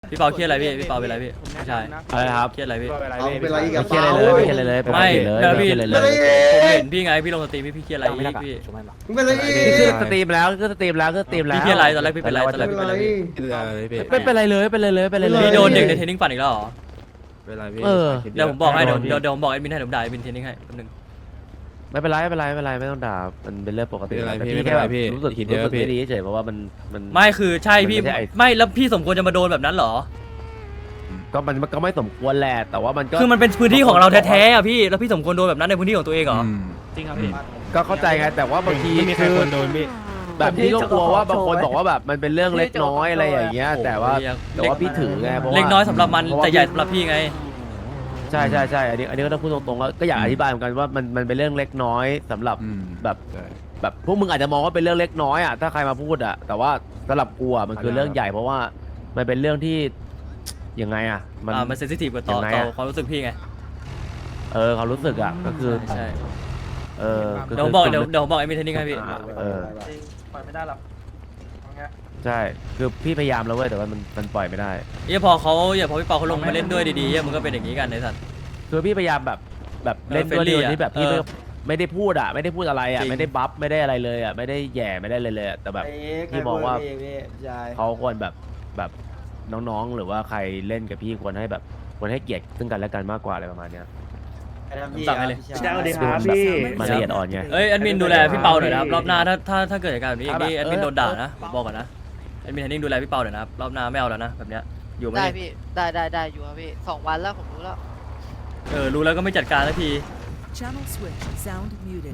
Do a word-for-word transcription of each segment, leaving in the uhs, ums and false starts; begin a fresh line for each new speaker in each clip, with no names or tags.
พี่เปาเครียดอะไรพี่พี่เปาเป็นอะไรพี่ไม่ใช่
อะไรครับ
เครียดอะไรพี่
เอาเป็นไรอีก
ไม่เครียดอะไรเลยไม่เครียดอะไรเลยปก
ไม่
ติเลย
แล้ว
ไม่
พี่
เครียดอะไรเล
แล้ว
ย
ผมเห็นพี่ไงพี่ลงสตรีมพี่พี่เครียดอะไรอีกพี่
มึงเป็นไรอี
นี่คือ
ก
สตรีมแล้วคือสตรีมแล้วคือสตรีมแล้ว
พี่เครียดอะไรตอนแรกพี่เป็นอะไรตอนแรก
เป็
พี่
น
เป็น
ไร
อะไรพี่
ไม่เป็นไรเลยเป็นไรเลยเป็นไรเลย
พี่โดนเด็กในเทรนนิ่งปั่นอีกแล้วเหรอ
เวลาพี่
เออ
เดี๋ยวผมบอกให้เดี๋ยวเดี๋ยวเดี๋ยวผมบอกแอดมินให้เดี๋ยวผมด่าแอดมินเทรนนิ่งให้แป๊บนึง
ไม่เป็นไรไม่เป็นไรไม่เป็นไรไม่ต้องด่ามันเป็นเรื่องปกติ
ไม่เป็นไร
แต่
พี่
พี่
ไม่
แค่
เป็นไร
แบบ
พี่
รู้สึก
คิดเย
รู้
อะ
สึก
พี่
ไม่ดีเฉยเพราะว่ามันมัน
ไม่คือใช่พี่
มันไม่ใช่ไอ้
ไม่แล้วพี่สมควรจะมาโดนแบบนั้นเหรอ
ก็มันมันก็ไม่สมควรแหละแต่ว่ามันก็
คือมันเป็นพื้นที่ของเราแท้ๆอ่ะพี่แล้วพี่สมควรโดนแบบนั้นในพื้นที่ของตัวเองเหรอ
อืม
จริงครับพี่
ก็เข้าใจไงแต่ว่าบางที
ไม่มีใคร
คือ
ควรโดนพี่
แบบพี่ก็กลัวว่าบางคนบอกว่าแบบมันเป็นเรื่องเล็กน้อยอะไรอย่างเงี้ยแต่ว่าแต่ว่าพี่ถือไงเพราะว่า
เล็กน้อยสำหรับมัน
เพราะว่า
แต่ใหญ่สำหรับพี่ไง
ใช่ใช่ใช่อันนี้อันนี้ก็ต้องพูดตรงๆก็ก็อยากอธิบายเหมือนกันว่ามันมันเป็นเรื่องเล็กน้อยสำหรับ
อืม
แบบ
ใช่
แบบพวกมึงอาจจะมองว่าเป็นเรื่องเล็กน้อยอ่ะถ้าใครมาพูดอ่ะแต่ว่าสำหรับกูอ่ะมันคือเรื่องใหญ่เพราะว่ามันเป็นเรื่องที่ยังไงอ่ะมัน
อ่ามันเซนซิทีฟกับต่อ
ยังไง
ต่อ
อะ
ความรู้สึกพี่ไง
เออเขารู้สึกอ่ะก็คือ
ใช่
เออก็
เดี๋ยวผมบอกเดี๋ยวเดี๋ยวผมบอกแอดมินเทรนนิ่งให้พี่
อ่าเออ
ปล่อยไม่ได้หรอก
ใช่คือพี่พยายามแล้วเว้ยแต่ว่ามันมันปล่อยไม่ได้
เหี้ยพอเขาอย่าพอพี่เปาเขาลงมาเล่นด้วยดีๆเหี้ยมันก็เป็นอย่างนี้กันไอ้สัตว์
คือพี่พยายามแบบแบบเล่นด้วย
เออ
โดยที่แบบพี่
เอ
ไม่
อ
ไม่ได้พูดอ่ะไม่ได้พูดอะไรอ่ะ
จริง
ไม่ได้บัฟไม่ได้อะไรเลยอ่ะไม่ได้แหย่ไม่ได้เลยเลยอะแต่แบบ พี่มองว่า เขาควรแบบแบบน้องๆ หรือว่าใครเล่นกับพี่ควรให้แบบควรให้เกียรติซึ่งกันและกันมากกว่าอะไรประมาณเนี้ย
ผมสั่งให้เลย
พี่แจ๊คสวัสดีครับ
มันแบบ
พี่
มันละเอียดอ่อนไง
เอ้ยแอดมินดูแลพี่เปาหน่อยนะครับรอบหน้าถ้าถ้าถ้าเกิดเหตุการณ์แบบนี้อีกนี่
ค
แอ
รับ
ดมิน
เออ
โดนด่านะผมบอกก่อนนะแอดมินเทรนนิ่งดูแลพี่เปาหน่อยนะครับรอบหน้าไม่เอาแล้วนะแบบเนี้ยอยู่ไม่
ได้
ได้
พี่ ได้ได้ได้อยู่ครับพี่สองวันแล้วผมรู้แล้ว
เออรู้แล้วก็ไม่จัดการสักที
Channel switch. Sound muted.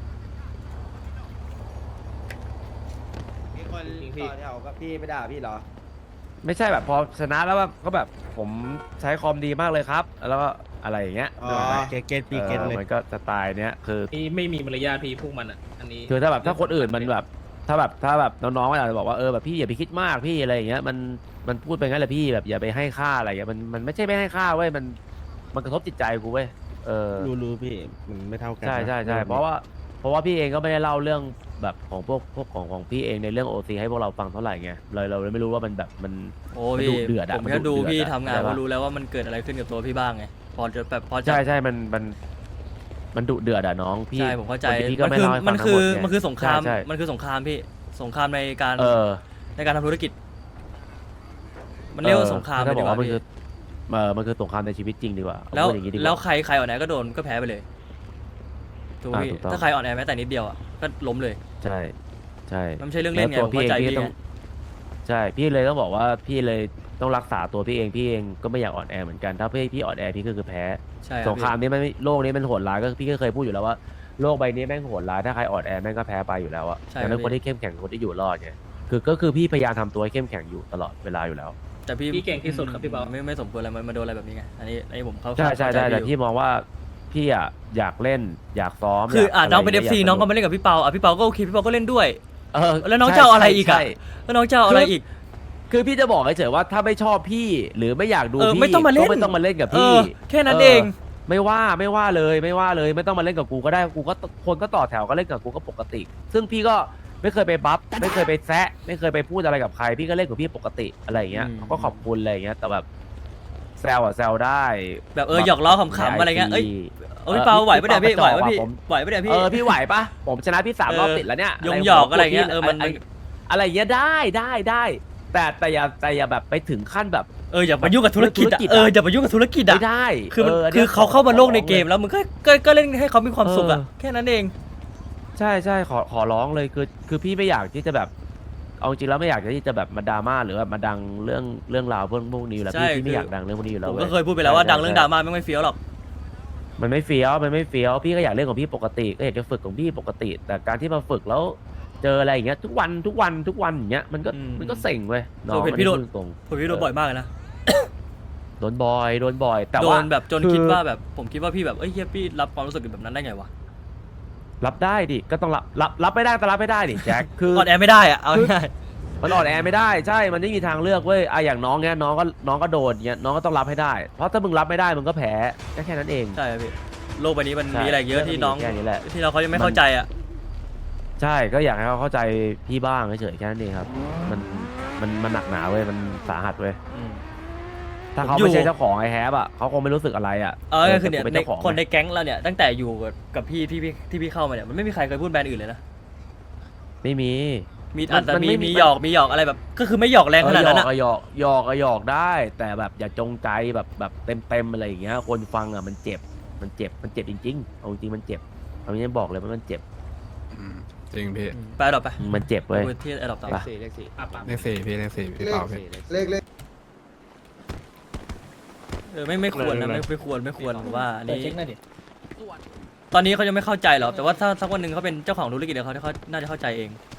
มีคนต่อแถวกับพี่ไม่ด่าพี่เหรอ
ไม่ใช่แบบพอชนะแล้วแบบก็แบบผมใช้คอมดีมากเลยครับ แล้วก็อะไรอย่างเงี้ย
อ๋อ
นึกออกไหม
เกตเกตพี่เกต
เออ
เลย
มันก็สไตล์เนี้ยคือ
นี่ไม่มีมารยาทพี่พวกมันอ่ะ อันนี้
คือถ้าแบบถ้าคนอื่นมันแบบถ้าแบบถ้าแบบน้องๆมันอาจจะบอกว่าเออแบบพี่อย่าไปคิดมากพี่อะไรอย่างเงี้ยมันมันพูดไปงั้นแหละพี่แบบอย่าไปให้ค่าอะไรอย่างเงี้ยมันมันไม่ใช่ไม่ให้ค่าเว้ยมันมันกระทบจิตใจกูเว้ยเออ
รู้รู้พี่มันไม่เท่ากัน
ใช่ใช่ใช่
น
เพราะว่าเพราะว่าพี่เองก็ไม่ได้เล่าเรื่องแบบของพวกพวกของของพี่เองในเรื่องโอซีให้พวกเราฟังเท่าไหร่ไงเลยเราเลยไม่รู้ว่ามันแบบมัน
โอ้
มัน
พี่
ดุเดือดอะ
ผม
มัน
แค่
ดุ
ดู
เดือด
พี่
อะ
ทำงาน
เข้าใจปะ
ก็รู้แล้วว่ามันเกิดอะไรขึ้นกับตัวพี่บ้างไงพอจะแบบพอจะ
ใช่ใช่มันมันมันดุเดือดอะน้องพี่
ใช่ผมเข้าใจ
คนที่พี่ก็
มัน
ไม่
คือ
เล่าให้ฟั
มั
ง
น
ทั้ง
คื
หม
อ
ดไง
มันคือสงคราม
ใช่
มันคือสงครามพี่สงครามในการ
เออ
ในการทำธุรกิจ มันเรียกว่าสงคราม
เออ
เลย
ถ้า
ดี
บอก
กว่า
ว่ามัน
พี่
คือเออมันคือสงครามในชีวิตจริงดีกว่า
แล้ว
พูดอย่างนี้ดีก
แล้ว
ว่า
ใครใครอ่อนแอก็โดนก็แพ้ไปเลยถูกไหม
อ่า
พี่
ถูกต้อง
ถ้าใครอ่อนแอแม้แต่นิดเดียวอ่ะก็ล้มเลย
ใช่ใช่
มันไม่ใช่เรื่องเล่นไง
แล้ว
ผมเข้าใจ
พี่
พี่
ต้อง
ไง
ใช่พี่เลยต้องบอกว่าพี่เลยต้องรักษาตัวพี่เองพี่เองก็ไม่อยากอ่อนแอเหมือนกันถ้าพี่พี่อ่อนแอพี่ก็คือแพ้
ใช่
สงครามนี้มันไม่โลกนี้มันโหดร้ายก็พี่ก็เคยพูดอยู่แล้วว่าโลกใบนี้แม่งโหดร้ายถ้าใครอ่อนแอแม่งก็แพ้ไปอยู่แล้วอะดังนั้นคนที่เข้มแข็งคือคนที่อยู่รอดไงคือก็คือพี่พยายามทำตัวให้เข้มแข็งอยู่ตลอดเวลาอยู่แล้ว
แต่พี่
พี่เก่งที่สุดครับพี่เปา
ไม่ไม่สมควรอะไรมันมาโดนอะไรแบบนี้ไงอันนี้อันนี้ผมเข้า
ใช่ใช่
เข้า
ใช่
จ
แต่
อยู่
พี่มองว่าพี่อะอยากเล่นอยากซ้อม
คืออ่ะ
ยาก
น้องเป็น
ะ
เอ
ไร
ฟซี
ยาก
น้องก็
ส
มาเล่นกับพี่เปาอ่ะพี่เปาก็โอเคพี่เปาก็เล่นด้วย
เออ
แล้วน้อง
ใช่
จะเอาอะไรอีกอ่ะ
ใช่
แล้วน้องจะเอาอะไรอีก
คือพี่จะบอกเฉยๆว่าถ้าไม่ชอบพี่หรือไม่อยากดู
เออ
พี่
ไม่ต้องมาเล่น
ก็ไม่ต้องมาเล่นกับ
เอ
พี่
อแค่นั้นเอง
ไม่ว่าไม่ว่าเลยไม่ว่าเลยไม่ต้องมาเล่นกับกูก็ได้กูก็คนก็ต่อแถวก็เล่นกับกูก็ปกติ ซึ่งพี่ก็ไม่เคยไปบัฟไม่เคยไปแซะไม่เคยไปพูดอะไรกับใคร พี่ก็เล่นกับพี่ปกติอะไรอย่างเงี้ย
อืม
เขาก็ขอบคุณอะไรอย่างเงี้ยแต่แบบแซวอะแซวได้
แบบเออหยอกล้อขำๆอะไรเงี้ยเอ้ย เออพี่เปาไหวปะเนี่ยพี่ไหวปะพี่ไหวปะเนี่ยพี่
เออพี่ไหวปะผมชนะพี่สาม
เออ
รอบติดแล้วเนี่ย
ยงหยอกอะไรเงี้ยเออมัน
ะไรอะไรอย่างเงี้ยได้ได้ได้ แต่แต่อย่าแต่อย่าแบบไปถึงขั้นแบบ
เอออย่ามายุ่งกับธุรกิจ
ธุรกิจ
อ่ะ
อะ
เอออย่ามายุ่งกับธุรกิจอ่ะ
ไม่ได้
คือมัน
น
คื
นี้
อเขาเข้ามาโลกใน
ขอ
เกมแล้วมึงก็ก็ก็เล่นให้เขามีความสุขอ่ะ
เออ
แค่นั้นเอง
ใช่ใช่ขอขอร้องเลยคือคือพี่ไม่อยากที่จะแบบเอาจริงแล้วไม่อยากที่จะแบบมาดราม่าหรือแบบมาดังเรื่องเรื่องราวพวกพวกนี้อยู่แล้ว
ใช่
พี่พี่ไม่
คือ
อยากดังเรื่องพวกนี้อยู่แล้
ผ
ว
ม
ว้
ก็เคยพูดไปแล้วว่า
ใช่
ดังเรื่อง
ใช่
ดราม่าไม่ไม่เฟี้ยวหรอก
มันไม่เฟี้ยวมันไม่เฟี้ยวพี่ก็อยากเล่นของพี่ปกติก็อยากจะฝึกของพี่ปกติ แต่การที่มาฝึกแล้วเจออะไรอย่างเงี้ยทุกวันทุกวันทุกวันอย่างเงี้ยมันก็
อืม
มันก็เซ็งเว้ย
เออเห็นพี่โดน
อัพูตรง
ผมพี่โดนบ่อยมากเลยนะ
ๆโดนบ่อยโดนบ่อย แต่
โด
ว่าน
แบบจน
คือ
คิดว่าแบบผมคิดว่าพี่แบบเอ้ยเฮียพี่รับความรู้สึกแบบนั้นได้ไงวะ
รับได้ดิก็ต้องรับรับรับไม่ได้แต่รับไม่ได้ดิแจ็คคือ
อ่อนแอไม่ได้อ่ะเอาง่าย
มันอ่อนแอไม่ได้ใช่ มันไม่มีทางเลือกเว้ยอะอย่างน้องเนี้ยน้องก็น้องก็โดนเงี้ยน้องก็ต้องรับให้ได้ เพราะถ้ามึงรับไม่ได้มึงก็แพ้แค่แค่นั้นเอง
ใช่ครับพี่โลกใบนี้มัน
ใช่
มีอะไรเยอะที่น้อง
แค่นี้แหละ
ที่เราเขายังไม่เข้าใจอ่ะ
ใช่ก็อยากให้เขาเข้าใจพี่บ้างเฉยๆแค่นั้นเองครับ มันมันมันหนักหนาเว้ยมันสาหัสเว้ย
อืม
ถ้าเขา
อยู่
ไม่ใช่เจ้าของไอแฮปอ่ะเขาคงไม่รู้สึกอะไรอ่ะ
เออคือเนี่ย
แต่กูเป็น
ใน
เจ้าของ
คน
ไง
ในแก๊งเราเนี่ยตั้งแต่อยู่กับพี่ที่พี่ที่พี่เข้ามาเนี่ยมันไม่มีใครเคยพูดแบรนด์อื่นเลยนะ
ไม่มี
มี
มัน
อาจจะ
มัน
มี
ไม่มี
มีหยอกมีหยอกอะไรแบบ ก็คือไม่หยอกแรงขนาดนั้น
เอ
อะ
อหยอกหยอกหยอกหยอกได้ แต่แบบอย่าจงใจแบบแบบเต็มเต็มๆอะไรอย่างเงี้ยคนฟังอ่ะมันเจ็บมันเจ็บมันเจ็บจริงๆเอาจริงๆมันเจ็บเอาจริงๆบอกเลยว่ามันเจ็บ
อืมจริงพี่
ไปดรอปไป
มันเจ็บเว้ย
คุยที่ไอ้ดรอปต่อ
ไป
สี่เลขสี่
อ่ะปั๊ม
เลขสี่พี่เลขสี่พี่เปล่าพี่
เลขเลข
เออไม่ไม่ควรนะไม่ไม่ควรไม่ควรผมว่าอัน
เปิด
นี้
เช็คหน่อยดิ
ตอนนี้เขายังไม่เข้าใจหรอกแต่ว่าถ้าสักวันหนึ่งเขาเป็นเจ้าของธุรกิจเดี๋ยวเขาเขาน่าจะเข้าใจเอง